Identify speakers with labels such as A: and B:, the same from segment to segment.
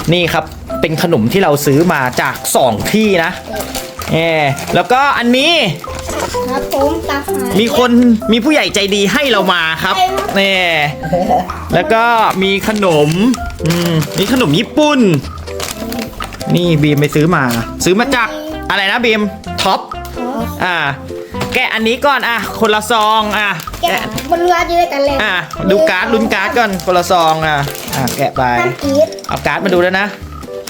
A: นี่ครับเป็นขนมที่เราซื้อมาจาก2ที่นะแล้วก็อันนี้
B: ครับผมตาหาย
A: มีผู้ใหญ่ใจดีให้เรามาครับนี่แล้วก็มีขนมมีขนมญี่ปุ่นนี่บีมไปซื้อมาจากอะไรนะบีมท็อปแกะอันนี้ก่อนคนละซอง
B: แกะบนเรือจะได้กันเลย
A: ดูการ์ดลุ้นการ์ดก่อนคนละซองแกะไปเอาการ์ดมาดูแล้วนะ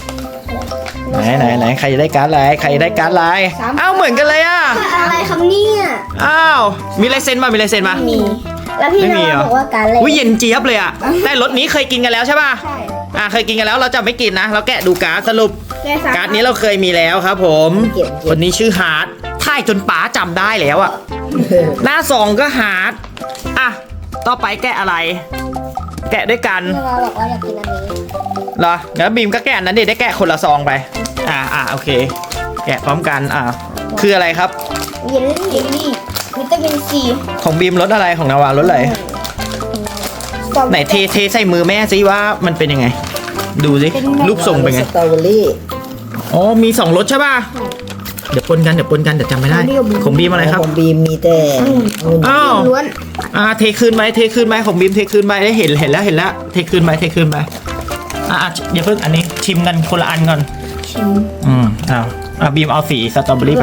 A: ไหนใครจะได้การ์ดอะไรใครจะได้การ์ดอะไรอ้าวเหมือนกันเลย
B: อะไรครับเนี่ย
A: อ้าวมีลายเซ็นมามี
B: แล้วพี่น้องบอกว่าการ์ดเลย
A: เย็นเจี๊ยบเลยแต่รสนี้เคยกินกันแล้วใช่ป่ะ
B: ใช่
A: เคยกินกันแล้วเราจะไม่กินนะเราแกะดูการ์ดสรุปการ์ดนี้เราเคยมีแล้วครับผมคนนี้ชื่อฮาร์ดท่ายจนป๋าจำได้แล้วหน้าซองก็ฮาร์ดต่อไปแกะอะไรแกะด้วยกัน
B: เราบอกว่าอยากกินอันนี้
A: เหรอแล้วบีมก็แกะอันนั้นดิได้แกะคนละซองไปโอเคแกะพร้อมกันคืออะไรครับ
B: เยลลี่วิตามินซี
A: ของบีมรสอะไรของนาวารสอะไรไหนเทใส่มือแม่ซิว่ามันเป็นยังไงดูสิรูปทรงเป็นไง
C: สตรอเบอรี่
A: มี2รสใช่ป่ะเดี๋ยวปนกันเดี๋ยวจำไม่ได้ของบีมอะไรครับ
C: ของบีมมีแต่
B: ล้วน
A: เทคืนไหมของบีมเทคืนไหมได้เห็นแล้วเทคืนไหมอย่าเพิ่งอันนี้ชิมกันคนละอันก่อน
B: ชิม
A: บีมเอาสีสตรอเบอรี่ไป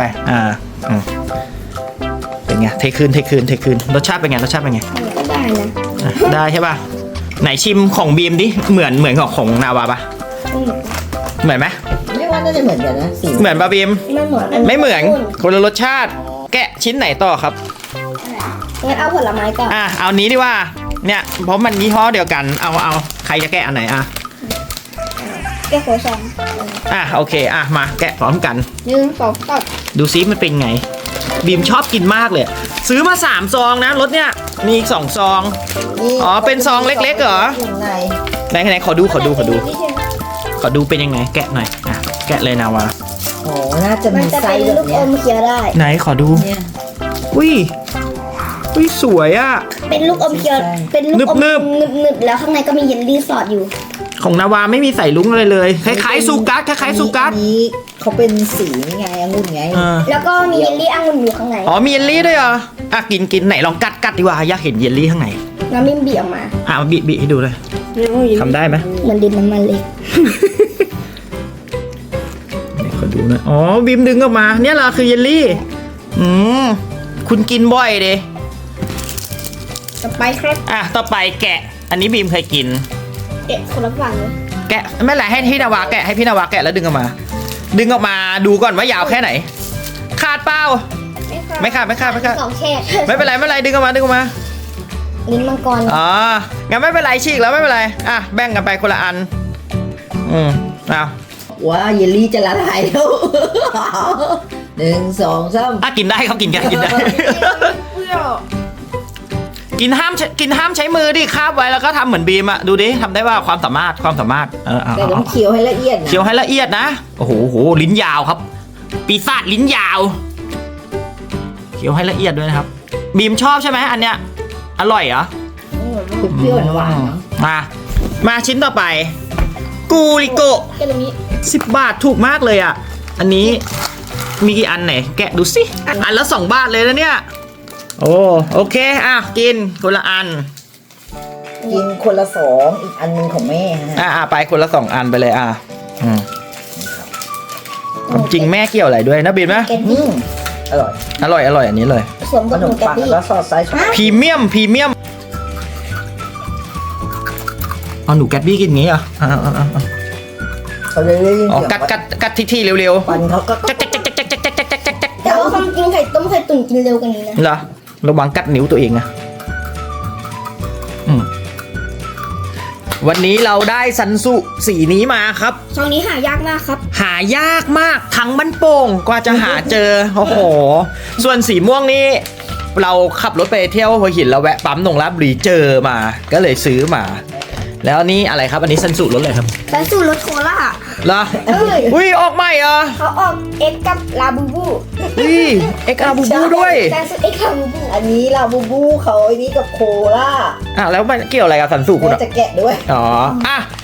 A: เป็นไงเทคืนรสชาติเป็นไง
B: ก็ได้นะ
A: ได้ใช่ป่ะไหนชิมของบีมดิเหมือนของนาวาป่ะเหมือนไหม
C: ไม่ว่าน่าจะเหมือนกันนะสี
A: เหมือนป่ะบีมไม่เหมือนคนละรสชาติแกะชิ้นไหนต่อครับ
B: งั้นเอาผลไม้ก่อน
A: เอานี้ดีว่าเนี่ยเพราะมันยี่ห้อเดียวกันเอาใครจะแกะอันไหน
B: แกะโคซอง
A: โอเคมาแกะพร้อมกัน
B: 1 2 3
A: ดูซิมันเป็นไงบีมชอบกินมากเลยซื้อมา3ซองนะรสเนี่ยมีอีก2ซองเป็นซองเล็กๆเหรอไหนขอดูเป็นยังไงแกะหน่อยแกะเลยนาวา
C: น่าจะมีไส้แบบนี้
B: ลูกอมเคี้ยวได้
A: ไหนขอดูอุ้ยสวย
B: เป็นลูกอมเคี้ยวเป็นลูกอมนึบแล้วข้างในก็มีเยลลี่สอดอยู่
A: ของนาวาไม่มีใส่ลุ้งเลยคล้ายๆซูกัส
C: นี้เขาเป็นสีนี่ไงองุ่นไง
B: แล้วก็มีเยลลี่องุ่นอยู่ข้างใน
A: มีเยลลี่ด้วยเหรอกินไหนลองกัดดีกว่าอยากเห็นเยลลี่ข้างใน
B: น้ำมิ้มบีออกมา
A: บีให้ดูเลยทำได้ไหม
B: เหมือนดินน้ำมันเล็ก
A: ขอดูนะบีมดึงออกมาเนี่ยเหรอคือเยลลี่คุณกินบ่อยดิ
B: ต่อไปครับ
A: ต่อไปแกะอันนี้บีมเคยกิน
B: แกะคนละฝั่งเลย
A: แกะไม่เป็นไรให้พี่นาวาแกะแล้วดึงออกมาดูก่อนว่ายาวแค่ไหนขาดเปล่าไม่ขาด
B: สองแค่
A: ไม่เป็นไรดึงออกมา
B: ลิ้นมังกร
A: งั้นไม่เป็นไรฉีกแล้วไม่เป็นไรแบ่งกันไปคนละอัน
C: ว่าเยลลี่จะละลายแล้ว1 2 3
A: กินได้ครับกินได้กินห้ามใช้มือดิคาบไว้แล้วก็ทำเหมือนบีมดูดิทำได้ว่าความสามารถ
C: แต่ต้องเคี้ยวให้ละเอียด
A: นะโอ้โหลิ้นยาวครับปีศาจลิ้นยาวเคี้ยวให้ละเอียดด้วยนะครับบีมชอบใช่ไหมอันเนี้ยอร่อยเหรอ
C: เปรี้ยวหวาน
A: มาชิ้นต่อไปกูริโกะ10 บาทถูกมากเลยอันนี้มีกี่อันไหนแกะดูสิอันละ2 บาทเลยนะเนี่ยโอเคกินคนละอัน
C: กินคนละ2อีกอันนึงของแม่
A: ไปคนละ2 อันไปเลยจริงแม่เกี่ยวอะไรด้วยนะบีมนะอร่อยอันนี้เลย
B: สวมกับหนูแกะ
C: แล้วซอสไซส์
A: พรีเมียมหนูแกะบี้กินงี้กัดที่เร็ว
C: ๆปันเขาก็
B: แต่ว่าความจริงไข่ต้มไข่ตุ๋นกินเร็วกว่านี้นะ
A: เหรอระวังกัดนิ้วตัวเองวันนี้เราได้ซันสุสีนี้มาครับ
B: ช่องนี้หายากมากครับ
A: หายากมากทั้งบ้านโป่งกว่าจะหาเจอส่วนสีม่วงนี้เราขับรถไปเที่ยวหัวหินเราแวะปั๊มนงลาดบุรีเจอมาก็เลยซื้อมาแล้วนี่อะไรครับอันนี้ซันสุรสอะไรครับ
B: ซันสุรสโคล่า
A: เหรอออกใหม่
B: เขาออกเอ็กกับลาบูบู
A: เอ็กลาบูบูด้วย
B: ซันสุเอ็กลาบูบู
C: อันนี้ลาบูบูเขาอันนี้กับโคล่า
A: แล้วมันเกี่ยวอะไรกับซันสุคุณ
C: จะแกะด้วย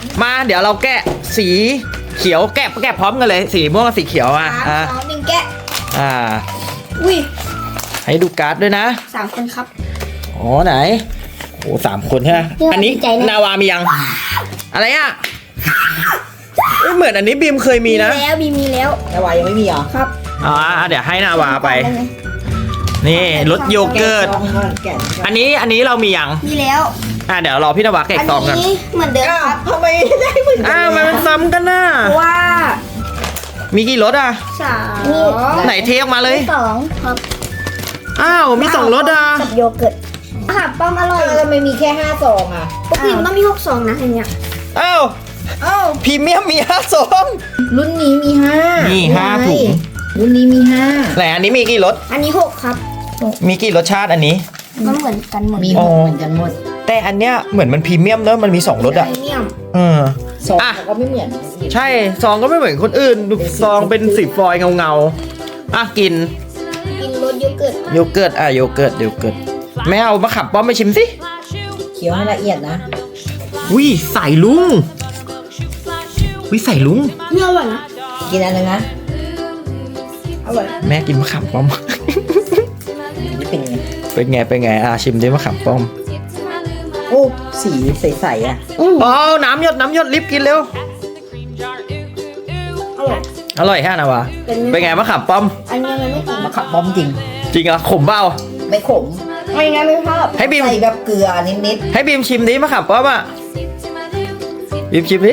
A: มาเดี๋ยวเราแกะสีเขียวแกะพร้อมกันเลยสีม่วงกับสีเขียวอ่ะ
B: สามสองหนึ่งแกะ อุ้ย
A: ให้ดูการ์ดด้วยนะ
B: 3 คนครับ
A: อ๋อไหนโอ้3 คนใช่ไหม
B: เนี่ย
A: อันนี้
B: ดีใจนะ
A: นาวามียัง อะไรอ่ะเอ้ยเหมือนอันนี้บีมเคยมีนะ
B: แล้วมีแล้ว
C: นาวายังไม่มีเหรอ
B: ครับ
A: อ๋อเดี๋ยวให้นาวาไป นี่รสโยเกิร์ต
C: แกะซองก่อนแกะ
A: อันนี้เรามียัง
B: มีแล้ว
A: เดี๋ยวรอพี่นาวาแกะ
B: อัน
A: ซองกัน
B: นี้เหมือนเดิม
C: อ้าว
B: ครับ
C: ทำไมได้เหมือนกั
A: มันซ้ำกันน่ะ
B: เพราะว่า
A: มีกี่รสอ่ะ
B: 3
A: ไหนเทออกมาเลย
B: 2ครับ
A: อ้าวมี2รสอ่ะ
B: กับโยเกิร์ตอาหารป้อมอร่อย
C: ทำไมมีแค่5ซองอ่ะ
B: ปกติมันต้องมี6 ซองนะอย่างเงี้ย
A: อ้าวพรีเมียมมี5ซอง
C: รุ่นนี้มี5
A: นี่5ถุง
C: รุ่นนี้มี
A: ไหนอันนี้มีกี่รส
B: อันนี้6ครับ
A: มีกี่รสชาติอันนี้
B: มันเหมือนกันหมด
C: 5มี6เหมือนกันหมด
A: แต่อันเนี้ยเหมือนมันพรีเมียมเนอะมันมี2รสอ่ะ
B: ไพเมียม
C: ซอง
A: อ่ะ
C: ก็ไม่เหมือน
A: ใช่ซองก็ไม่เหมือนคนอื่นดูซองเป็นสีฟอยล์เงาอ่ะกิน
B: กินรสโยเกิร์ต
A: โยเกิร์ตโยเกิร์ตแม่เอามะขับป้อมไปชิมสิ
C: เคี้ยวให้ละเอียดนะ
A: วิใส่ลุงวิใส่ลุง
B: เนี่ยอร่อยนะ
C: กินอันนึงนะ
B: อร่อย
A: แม่กินมะขามป้อม
C: นี่เป็นไง
A: เป็นไงชิมดิมะขามป้อม
C: โอ้สีใสๆอ่ะ
A: อ๋อน้ำหยดรีบกินเร็ว
B: อร่อย
A: อร่อยแค่นะวะ
B: เป็นไง
A: เป็นไงมะขามป้อม
B: อันนี้มันไม่กิน
C: มะขับป้อมจริง
A: จริงเหรอขมเปล่า
C: ไม่ขม
B: ไม่งั้นไม่ชอบ
A: ให้บีม
C: ใส่แบบเกลือนิด
A: ให้บีมชิมดิมะขามป้อมอ่ะบีมชิมดิ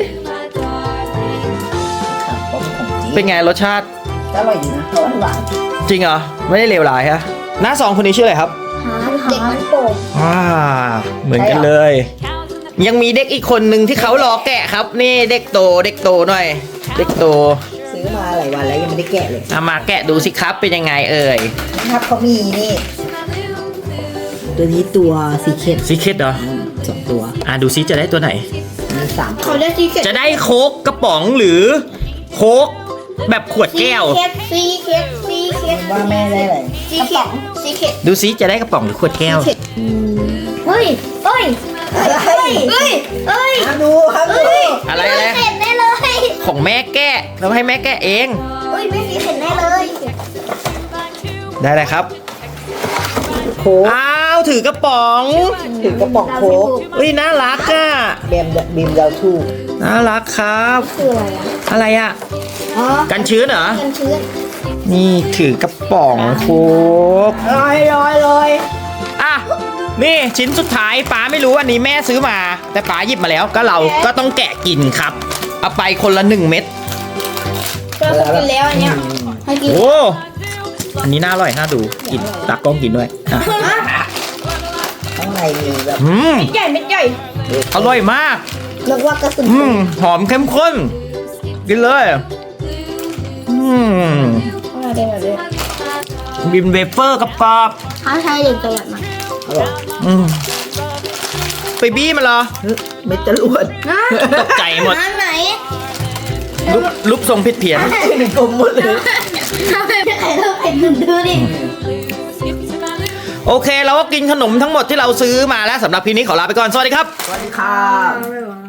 C: ๆขับป้อมของจริง
A: เป็นไงรสชาติ
C: อร่อยดีนะหวาน
A: จริงเหรอไม่ได้เลวร้ายฮะหน้า2คนนี้ชื่ออะไรครับ
B: เด็กมันโป่ง
A: เหมือนกันเลย ยังมีเด็กอีกคนหนึ่งที่เขารอแกะครับ นี่เด็กโตหน่อย เด็กโต
C: ๆซื้อมาหลายวันแล้วยังไม่ได้แกะเลย
A: เอามาแกะดูสิครับเป็นยังไงเอ่ย
C: นะครับเขามีนี่ ตัวนี้ตัวซีเคท
A: ซีเคร็ตเหรอ
C: 2 ตัว
A: ดูซิจะได้ตัวไหน
C: มี3
B: เขาได้ซีเค็ด
A: จะได้โค้กกระป๋องหรือโค้กแบบขวดแก้ว
B: ซีเค็ด
C: ว่าแม่ได้อะไร
B: ซีเค็ดซีเค็ด
A: ดูซิจะได้กระป๋องหรือขวดแก้ว
B: เฮ้ยเฮ้ย
C: ห้ามดูห้ามดู
A: อะไร
B: เค็ดแน่เลย
A: ของแม่แกะเราให้แม่แกะเอง
B: เฮ้ยไม่ซีเค็ดแน่เลย
A: ได้เลยครับ
C: โค้ก
A: อ้าวถือกระป๋อง
C: ถือกระป๋องโค้ก
A: อุ้ยน่ารักอ่ะ
C: บีมดาวทู
A: น่ารักครับ
B: คืออะไรอ่ะ
A: อะไรอ่ะ
B: อ๋อ
A: กันชื้นเหรอ
B: กันชื้น
A: นี่ถือกระป๋องโค้ก
B: ลอย
A: อ่ะนี่ชิ้นสุดท้ายป๋าไม่รู้อันนี้แม่ซื้อมา แต่ป๋าหยิบมาแล้วก็เราก็ต้องแกะกินครับ เอาไปคนละ1 เม็ด
B: ก็กินแล้วอันเนี้ยให้กิน
A: โอ้อันนี้น่าอร่อยน่าดูกินตากล้องกินด้วยอ่ะ
C: ข้างในมีแบบ
B: เม็ดใหญ่
A: อร่อยมาก
B: นึกว่ากระสุน
A: หอมเข้มข้นกินเลยบินเวเฟอร์กับกรอบ
B: ถ้าใช่เด็กตลอดมา
C: อร่อย
A: ไปบี้มันเหรอ
C: เม็ดจรวด
A: ตกใจหมด
B: ร้านไหน
A: รูปทรงผิดเพี้ยน
C: เป็นกลมหมดเลย
B: ทำไมไม่ใครเลิกไอ้หนึ่งดูดิ
A: โอเคเราก็กินขนมทั้งหมดที่เราซื้อมาแล้วสำหรับพีนี้ขอลาไปก่อน สวัสดีครับ
C: สวัสดีค่ะ
B: ไม่ไหว